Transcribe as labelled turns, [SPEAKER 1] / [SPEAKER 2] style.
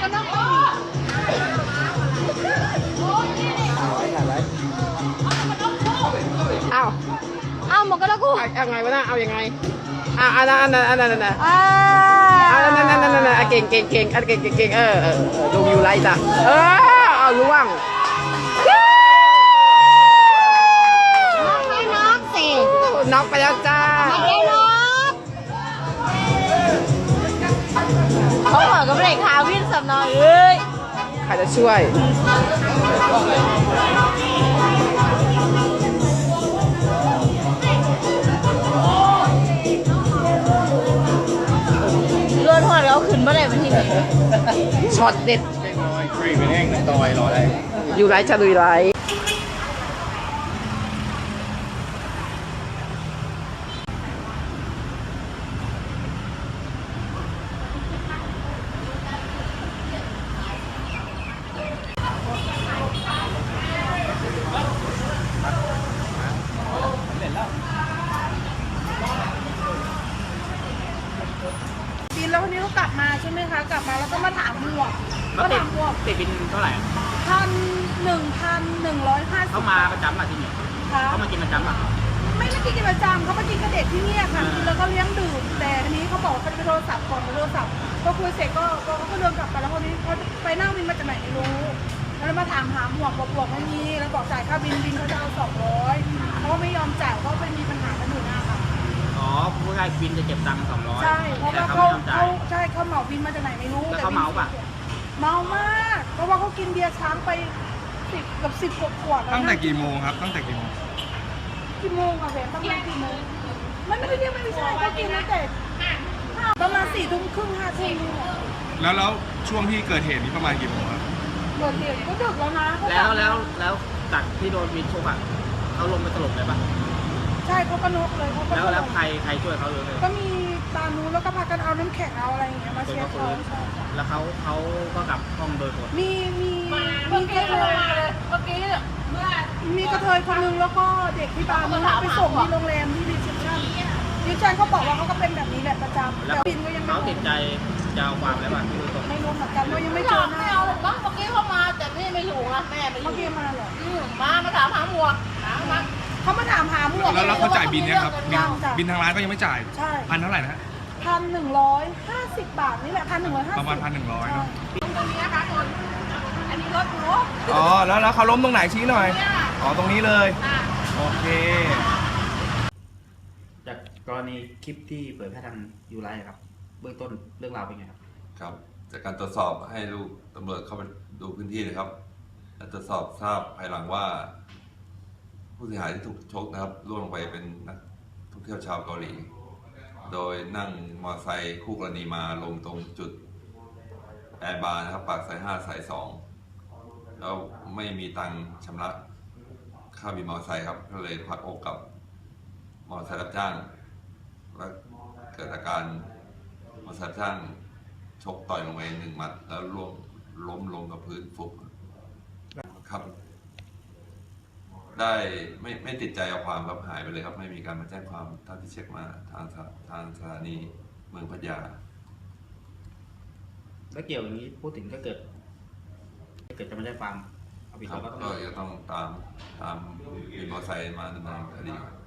[SPEAKER 1] กันนะเอาหมดกันแล้วกู
[SPEAKER 2] เอาไงวะน่ะเอายังไงอันนั้นเก่งเก่งดูวิวไลท์จ้ะเอาล่วง
[SPEAKER 1] น็อกสิ
[SPEAKER 2] น็อกไปแล้วจ้า
[SPEAKER 1] ไม่ได้น็อกเขาเหมือนกับเบรกขาวิ่งสับหน่อย
[SPEAKER 2] ใครจะช่วย
[SPEAKER 1] เลื่อนหัวแล้วขึ้นมาเลยมันที่นี่
[SPEAKER 2] ช็อตเด็ด
[SPEAKER 3] ฟรีเป็นแห้งน้ำตอยรอได้
[SPEAKER 2] อยู่ไลท์จะลุยไลท์
[SPEAKER 4] บินแล้ววันนี้เรากลับมาใช่ไหมคะกลับมาแล้วก็มาถามหมวก
[SPEAKER 3] ติดบินเท่าไหร่
[SPEAKER 4] 1,150
[SPEAKER 3] เขามาประจำอ่ะที่นี่เขามากินประจำอ่ะ
[SPEAKER 4] ไม่ได้กินประจำเขามากินกระเด็ดที่นี่ค่ะกินแล้วก็เลี้ยงดื่มแต่ทีนี้เขาบอกเขาจะไปโทรศัพท์ก่อนโทรศัพท์ก็คุยเสร็จก็เขาก็เดินกลับไปแล้วคนนี้เขาไปนั่งบินมาจากไหนไม่รู้แล้วมาถามหาหมวกบอกไม่มีแล้วบอกจ่ายค่าบินเขาจะเอา200เขาไม่ยอมจ่ายเขาไปมีปัญหากันอยู่นะคะ
[SPEAKER 3] อ๋อผู้ชายบินจะเก็บตังค์200
[SPEAKER 4] ใช่เพราะว่าเขาเหมาบินมาจากไหนไม่รู้
[SPEAKER 3] แล้วเขาเมาป่ะ
[SPEAKER 4] เมามากเพราะว่าเขากินเบียร์ช้างไป10 กว่าขวด
[SPEAKER 5] ตั้งแต่กี่โมงครับตั้งแต่กี่โมง
[SPEAKER 4] ค่ะแฟนประมาณกี่โมงไม่ใช่เขากินตั้งแต่ประมาณ4 ทุ่มครึ่ง5 ทุ่ม
[SPEAKER 5] แล้วช่วงที่เกิดเหตุนี้ประมาณกี่โมงครับ
[SPEAKER 4] เกิดเหตุก็ดึกแล้วนะ
[SPEAKER 3] แล้วจากที่โดนบินชกอ่ะเขาลงไปสลบเลยป่ะ
[SPEAKER 4] ใช่เขาก็นกเลยเขาก็
[SPEAKER 3] แล้วใครช่วยเขาเลย
[SPEAKER 4] ก็มีตานูแล้วก็พากันเอาน้ำแข็งเอาอะไรอย่างเงี้ยมาเช็ดเขา
[SPEAKER 3] แล้วเขาก็กลับห้องโดยหมด
[SPEAKER 4] มีกระเทยเมื่อกี้มีกระเทยคนนึงแล้วก็เด็กที่บาร์มันไปส่งที่โรงแรมที่รีเซพชั่นเขาบอกว่าเขาก็เป็นแบบนี้แหละประจำแต่บินก็ยัง
[SPEAKER 3] เขาติดใจจะเอาความอะไรบ้าง
[SPEAKER 4] ไม่รู้เหมือนกันเรายังไม่เจอหน้า
[SPEAKER 1] ไม่เอาหรอกเมื่อกี้เขามาแต่นี่ไม่อยู่นะแม่ไปอยู่
[SPEAKER 4] เมื่อกี้มาเหรอ
[SPEAKER 1] มาถามหาหมวก
[SPEAKER 4] เขามาถามหาหมวก
[SPEAKER 5] แล้วเขาจ่ายบินเนี่ยครับบินทางร้านก็ยังไม่จ่าย
[SPEAKER 4] ใช่
[SPEAKER 5] พันเท่าไหร่นะ
[SPEAKER 4] 1,150 บาทนี่แหละ1,150
[SPEAKER 5] ประมาณ1,100เนาะ
[SPEAKER 4] ตรงนี้นะคะอันนี้รถหนู
[SPEAKER 5] อ๋อแล้วเขาล้มตรงไหนชี้หน่อยอ๋อตรงนี้เลยโอเค
[SPEAKER 3] จากกรณีคลิปที่เผยแพร่ทางยูไลท์ครับเบื้องต้นเรื่องราวเป็นไงครับ
[SPEAKER 6] ครับจากการตรวจสอบให้ลูกตำรวจเข้าไปดูพื้นที่นะครับและตรวจสอบทราบภายหลังว่าผู้เสียหายที่ถูกชกนะครับล่วงลงไปเป็นนักท่องเที่ยวชาวเกาหลีโดยนั่งมอเตอร์ไซค์คู่กรณีมาลงตรงจุดแอร์บาร์นะครับปากซอย5 สาย 2แล้วไม่มีตังค์ชำระค่าบินมอเตอร์ไซค์ครับก็เลยพักอกกับมอเตอร์ไซค์รับจ้างและเกิดอาการมอเตอร์ไซค์รับจ้างชกต่อยลงไป1 หมัดแล้วล้มลงกับพื้นฟุบครับได้ไม่ติดใจเอาความครับหายไปเลยครับไม่มีการมาแจ้งความเท่าที่เช็คมาทางสถานีเมืองพัทยา
[SPEAKER 3] แล้วเกี่ยวอย่างนี้พูดถึงถ้าเกิดจะไม่ได้ความเอาผิดเราก็ต้อง
[SPEAKER 6] ตามบินมอเตอร์ไซค์มาดำเนินคดี